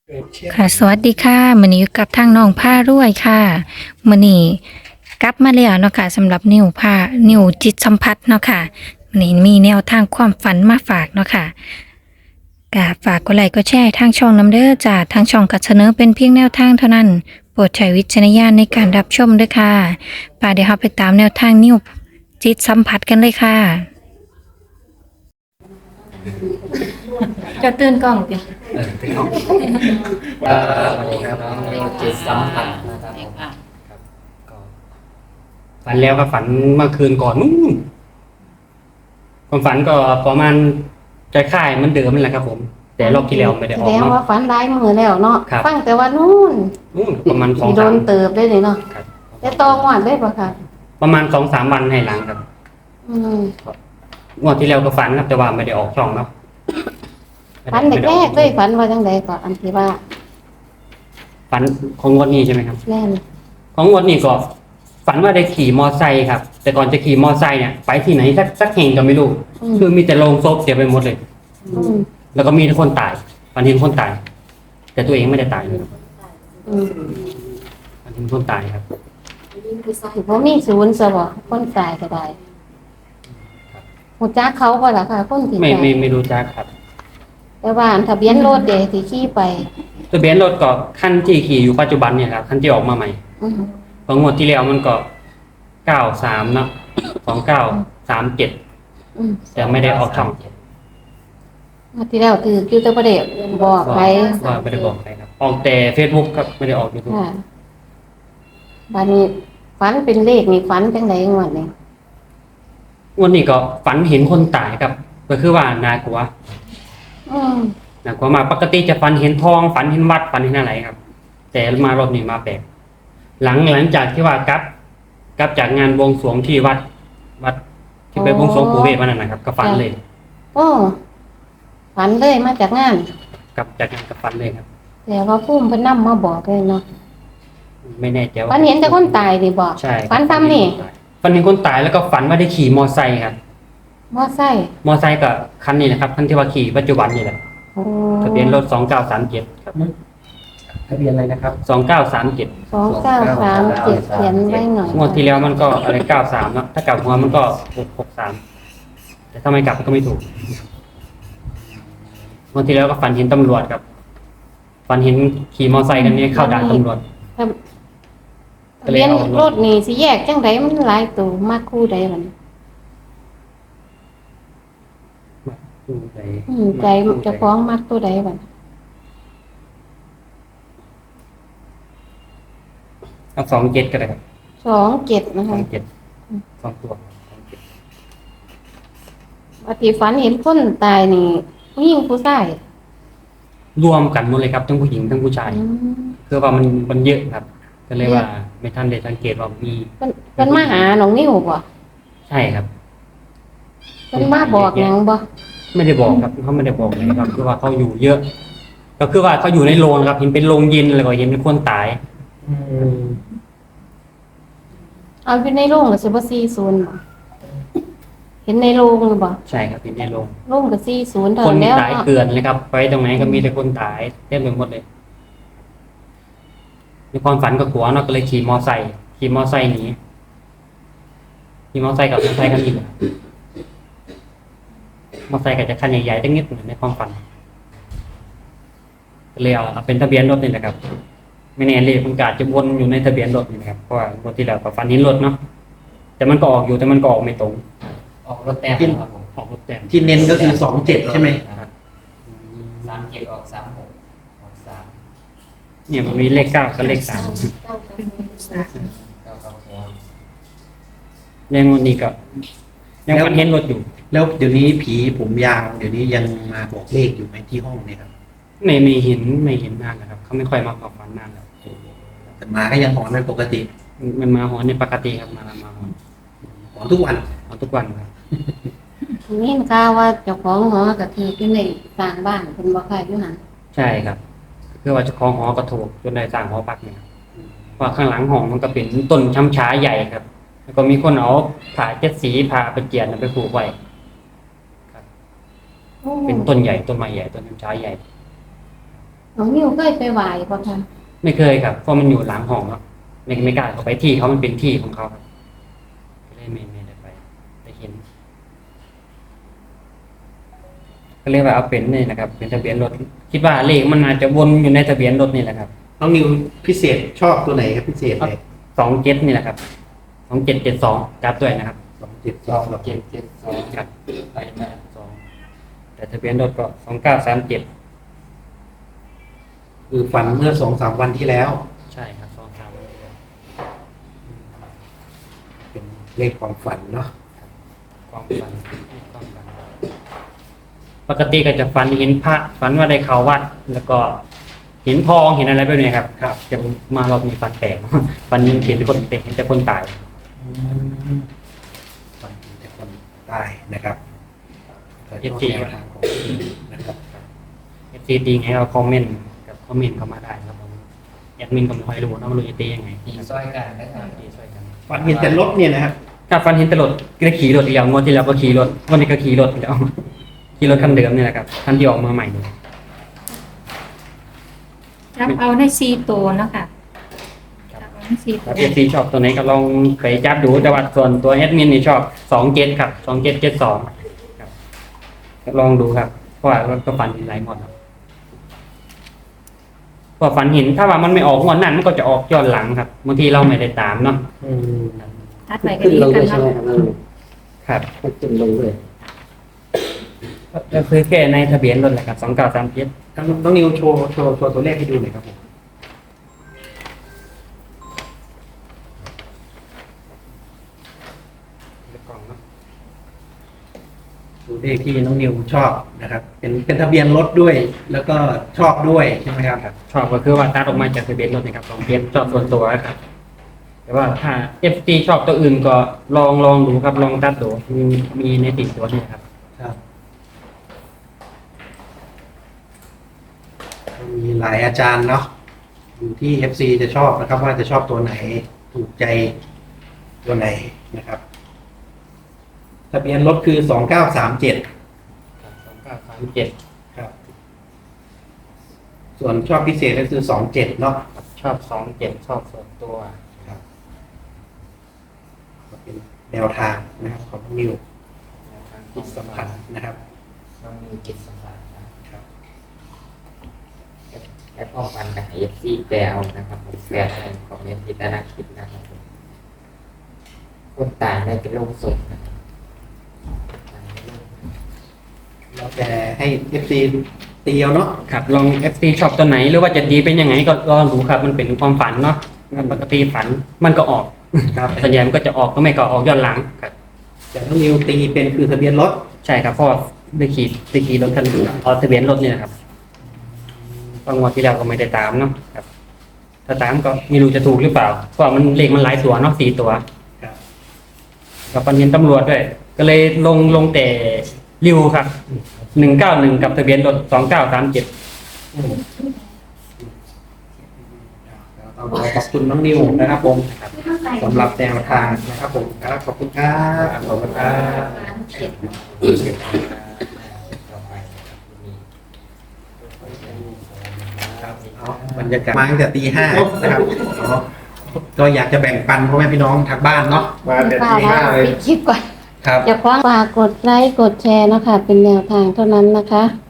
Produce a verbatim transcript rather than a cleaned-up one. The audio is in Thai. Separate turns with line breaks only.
ค่ะสวัสดีค่ะมื้อนี้อยู่กับทางน้องผ้ารวยค่ะมื้อนี้กลับมาแล้วเนาะค่ะสำหรับนิ้วผ้านิ้วจิตสัมผัสเนาะค่ะมื้อนี้มีแนวทางความฝันมาฝากเนาะค่ะก็ฝากกดไลค์กดแชร์ให้ทางช่องนำเด้อจ้าทางช่องก็เสนอเป็นเพียงแนวทางเท่านั้นโปรดใช้วิจารณญาณในการรับชมด้วยค่ะป่าเดี๋ยวเราไปตามแนวทางนิ้วจิตสัมผัสกันเลยค่ะจะตื่นกล้องติ
เออเป็นของเอ่อสวัสดีครับน้องจิตสัมผัสนะครับผมครับก็ฝันแล้วก็ฝันเมื่อคืนก่อนนู้นความฝันก็ประมาณคล้ายๆเหมันเดิมนั่นแหละครับผม แต่รอบที่แล้วไม่ได้ออก
แสดง
เนาะ
ว่าฝันร้ายมือแล้วเนาะ
ครับ
ฟังแต่ว่านู่น
นู้นประมาณสอง
สิโด
สาม
นเติบได้เลยเนาะ
ครับ
แต่ตองหวานได้ปะค่ะ
ประมาณสองสามวันให้หลังครับ
อืม
งวดที่แล้วก็ฝันครับแต่ว่าไม่ได้ออกช่องเนาะ
ฝันแรกๆเลยฝันว่าจังไดก่อนอันที่ว่า
ฝันของงวดนี้ใช่ไหมครับ
แน่น
ของงวดนี้ก็ฝันว่าได้ขี่มอไซค์ครับ แต่ก่อนจะขี่มอไซค์เนี่ยไปที่ไหนสักสักแห่งก็ไม่รู้
อืม
คือมีแต่โรงศพเสียไปหมดเลย
อืม
แล้วก็มีแต่คนตายฝันเห็นคนตาย แต่ตัวเองไม่ได้ตายเลย
อืม
ฝันเห็นคนตายครับ
สิบ่มีศูนย์ซะบ่คนตายก็ได้หูจักเขาบ่ล่ะค่ะ คนที่
ไม่
ตาย
ไม่ไม่รู้จักครับ
แต่ว่าอันทะเบียนรถเด้ที่ขี่ไป
ทะเบียนรถก็ขั้นที่ขี่อยู่ปัจจุบันเนี่ยครับขั้นที่ออกมาใหม่
อืม
ของงวดที่แล้วมันก็เก้าสามเนาะสองเก้าสามเจ็ด
อืม
แต่ไม่ได้ออกช่อง
งวดที่แล้วถืออยู่แต่บ่ได้บอกไป
ว่าไม่ได้บอกใครครับ ออกแต่เฟซบุ๊กครับไม่ได้ออกยูทูบ
ค่ะบัดนี้ฝันเป็นเลขนี่ฝันจังไดงวดนี้
วันนี้ก็ฝันเห็นคนตายครับ ก็คือว่านากลัว
อืม
นากลัวมากปกติจะฝันเห็นทองฝันเห็นวัดฝันเห็นอะไรครับ แต่มารอบนี้มาแปลกหลังหลังจากที่ว่ากลับกลับจากงานบวงสรวงที่วัด วัดที่ไปบวงสรวงปู่เวทวันนั้นนะครับ ก็ฝันเลย
โอ้ฝันเลยมาจากงาน
กลับจากงานก็ฝันเลยครับ
แต่ว่าพุ่มเพิ่นนำมาบอกเลยเนาะ
ไม่แน่ใจว่า
ฝันเห็นแต่คนตายดิบอก
ใช่
ฝันซ้ำนี่
ฝันเห็นคนตายแล้วก็ฝันว่าได้ขี่มอไซค์ครับ
มอไซค์
มอไซค์กับคันนี้นะครับคันที่ว่าขี่ปัจจุบันนี่แหละ
โอ้
ทะเบียนรถสองเก้าสามเจ็ดครับทะเบียนอะไรนะครับสองเก้าสามเจ็ด
สองเก้าสามเจ็ดเขียนไว้หน่อย
งวดที่แล้วมันก็อะไรเก้าสามเนาะถ้ากลับหัวมันก็หกหกสามแต่ถ้าไม่กลับมันก็ไม่ถูกงวดที่แล้วก็ฝันเห็นตำรวจครับฝันเห็นขี่มอไซค์กันนี้เข้าด่านตำรวจ
ทะเบียนรถนี่สิแยกจังไดมันหลายตัวมากคู่ใดมัน
อืมใจ
อืมใจเจะฟ้าของมากตัวใดบัด
เอาสองเจ็ดก็ได้ครับ
สองเจ็ดนะ
สอ
คะ
งเจ็ดสองตัวสองเจ็ด
ปฏิฝันเห็นคนตายนี่ผู้หญิงผู้ชาย
รวมกันหมดเลยครับทั้งผู้หญิงทั้งผู้ชาย
อืม
คือว่ามันมันเยอะครับ ก็เลยว่าไม่ทันได้สังเกตว่ามี
เพิ่นเพิ่นมาหาน้องนิ้วบ่
ใช่ครับ
เพิ่นมาบอกหยังบ่
ไม่ได้บอกครับเขาไม่ได้บอกเลยครับคือว่าเขาอยู่เยอะ ก็คือว่าเขาอยู่ในโรงครับเห็นเป็นโรงเย็นแล้วก็เห็นเป็นคนตาย
เอาอยู่ในโรงก็สิบ่สี่สิบบ่เห็นในโรงหรือบ่
ใช่ครับเห็นในโรง
โรงก็สี่สิบเท่า
คน
นั้นแล้ว
ตายเกลื่อนเลยครับ ไปตรงไหนก็มีแต่คนตายเต็มไปหมดเลยในความฝันก็กลัวเนาะก็เลยขี่มอไซค์ขี่มอไซค์หนีขี่มอไซค์กับมอไซค์กันอีกมอไซค์ก็จะคันใหญ่ๆตั้งนิดหนึ่งในความฝันก็เลยเอาเอาเป็นทะเบียนรถนี่แหละครับ ไม่แน่เลยมันกอาจจะวนอยู่ในทะเบียนรถนี่นะครับเพราะว่างวดที่แล้วก็ฝันเห็นรถเนาะแต่มันก็ออกอยู่แต่มันก็ออกไม่ตรง
ออกรถแต้มครับผม
ออกรถแต้ม
ที่เน้นก็คือสองเจ็ดใช่ไหม
สามเจ็ดออกสามหกออกสาม
เนี่ยมันมีเลขเก้ากับเลขสาม
เก้าเก้าหัว
เลขงวดนี้ก็ยังฝันเห็นรถอยู่
แล้วเดี๋ยวนี้ผีผมยาวเดี๋ยวนี้ยังมาบอกเลขอยู่ไหมที่ห้องเนี่ยครับ
ไม่ไม่เห็นไม่เห็นนานนะครับเขาไม่ค่อยมาขอฝันนานแล้ว
แต่มาก็ยังหอนเป็นปกติ
มันมาหอนในปกติครับมามาหอน
หอนทุกวัน
หอนทุกวันครับ
นี่ข่าวว่าเจ้าของหอก็ถืออยู่ในสร้างบ้านเพิ่นบ่ค่ายอยู่หั่น
ใช่ครับคือว่าเจ้าของหอกระถูกจนได้สร้างหอพักเนี่ยครับว่าข้างหลังห้องมันก็เป็นต้นช้ำช้าใหญ่ครับ แล้วก็มีคนเอาผ่าเจ็ดสีผ่าไปเจียนไปผูกไว้ครับ เป็นต้นใหญ่ต้นไม้ใหญ่ต้นช้ำช้าใหญ่
มน้องนิวเคยไปไหว้บ่คะ
ไม่เคยครับเพราะมันอยู่หลังห้องครับไม่ไม่กล้าเข้าไปที่เขามันเป็นที่ของเขาครับก็เลยไม่ไม่ได้ไปไปเห็น ก็เรียกว่าเอาเป็นนี่นะครับ เป็นทะเบียนรถคิดว่าเลขมันอาจจะวนอยู่ในทะเบียนรถนี่แหละครับ
น้องนิวพิเศษชอบตัวไหนครับพิเศษเลย
สองเจ็ดนี่แหละครับสองเจ็ดเจ็ดสองจับด้วยนะครับ
สองเจ็ด
ส
ส
อ
อง
งเจ็ดเจ็ดสอง
ครับ
ไปมา
สองแต่ทะเบียนรถก็สองเก้าสามเจ็ด
คือฝันเมื่อสองสามวันที่แล้ว
ใช่ครับสองสาม
เป็นเลขความฝันเนาะ
ความฝันความฝันปกติก็จะฝันเห็นพระฝันว่าได้เข้าวัด แล้วก็เห็นทองเห็นอะไรแบบนี้ครับครับจะมารอบนี้ฝันแปลก ฝันเห็นคนเห็นแต่คนตาย
ฝันแต่คนตายนะครับแต่ชอบแนวทางของพี่นะครับ
เอฟซีตีไงเราคอมเมนต์กับคอมเมนต์เข้ามาได้ครับผมแอดมินก็ไม่ค่อยรู้นะว่ารู้จะตียังไง
ตีซ้อยกันนะครับ
ตีช่วยกัน
ฝันเห็นแต่รถเนี่ยนะครับ
ถ้าฟันเห็นแตรถก็ขี่รถอีกแล้วงวดที่แล้วก็ขี่รถงวดนี้ก็ขี่รถอีกแล้ว ขี่รถคันเดิมนี่แหละครับคันที่ออกมาใหม่เลย
รับเอาได้สี่ตัวเนาะค่ะรับเอาได้สี่ตั
ถ้าว เอฟซีชอบตัวไหนก็ลองไปจับดูแต่ว่าส่วนตัวแอดมินนี่ชอบสองเจ็ดครับสองเจ็ดเจ็ดสองครับก็ลองดูครับเพราะว่าก็ฟันเห็นหลายงวดครับพอฝันเห็นถ้าว่ามันไม่ออกงวดนั้นมันก็จะออกย้อนหลังครับบางทีเราไม่ได้ตามเนาะ
อืม
ทัดไปก็ดีกันเนาะ
ครับ
ขึ้นลงเลย
ก็คือแค่ในทะเบียนรถแหละครับสองเก้าสามเจ็ด
น้องน้องนิวโชว์โชว์โชว์ตัวเลขให้ดูหน่อยครับผมตัวเลขที่น้องนิวชอบนะครับ เป็นเป็นทะเบียนรถด้วย แล้วก็ชอบด้วยใช่ไหมครับ
ชอบก็คือว่าตัดออกมาจากทะเบียนรถนะครับสองเบียนชอบส่วนตัวครับ แต่ว่าถ้า เอฟ ซี ชอบตัวอื่นก็ลองลองดูครับลองตัดดูมีมีในติดตัวนี่ครับ
ครับมีหลายอาจารย์เนาะอยู่ที่ เอฟ ซี จะชอบนะครับ ว่าจะชอบตัวไหนถูกใจตัวไหนนะครับ ทะเบียนรถคือสองเก้าสามเจ็ด
สองเก้าสามเจ็ด
ครับ ส่วนชอบพิเศษก็คือสองเจ็ดเนาะ
ชอบสองเจ็ดชอบส่วนตัว
ครับก็เป็นแนวทางนะครับของน้องนิวจิตสัมผัสนะครับ
น้องมีจิตสัมผัสนะครับ และป้องกันกับเอฟซีแปลเอานะครับผมแปลอะไรคอมเมนต์ที่ด้านล่างคลิปนะครับผมคนตายได้เป็นโรคศพนะครับ
เราแต่ให้ เอฟ ซี ตีเอาเนาะ
ครับลอง เอฟ ซี ชอบตัวไหนหรือว่าจะดีเป็นยังไงก็ลองดูครับมันเป็นความฝันเนาะปกติฝันมันก็ออก
ครับ
ส่วนใหญ่มันก็จะออกก็ไม่ก็ออกย้อนหลังครับ
จากน้องนิวตีเป็นคือทะเบียนรถ
ใช่ครับเพราะว่อได้ขี่ได้ขี่รถคันเอาทะเบียนรถเนี่ยนะครับบางวันที่แล้วก็ไม่ได้ตามเนาะครับ ถ้าตามก็ไม่รู้จะถูกหรือเปล่าเพราะมันเลขมันหลายตัวเนาะสี่ตัว
ครับ
กับปันเห็นตำรวจด้วย ก็เลยลงลงแต่ริวครับหนึ่งเก้าหนึ่งกับทะเบียนรถสองเก้าสามเจ็ด
เราขอบคุณน้องนิวนะครับผมสำหรับแนวทางนะครับผมครับขอบคุณครับขอบคุณครับ
ต่อไปมี
ครับเอาบรรยากาศมาตั้งแต่ตีห้านะครับเนาะก็อยากจะแบ่งปันพ่อแม่พี่น้องทางบ้านเนาะมาแต่
ป้า
ตี
ว่า
ห้าเลย
ปิดคลิปก่อน
ครับ
อย่าคว้างฝากกดไลค์กดแชร์นะคะ เป็นแนวทางเท่านั้นนะคะ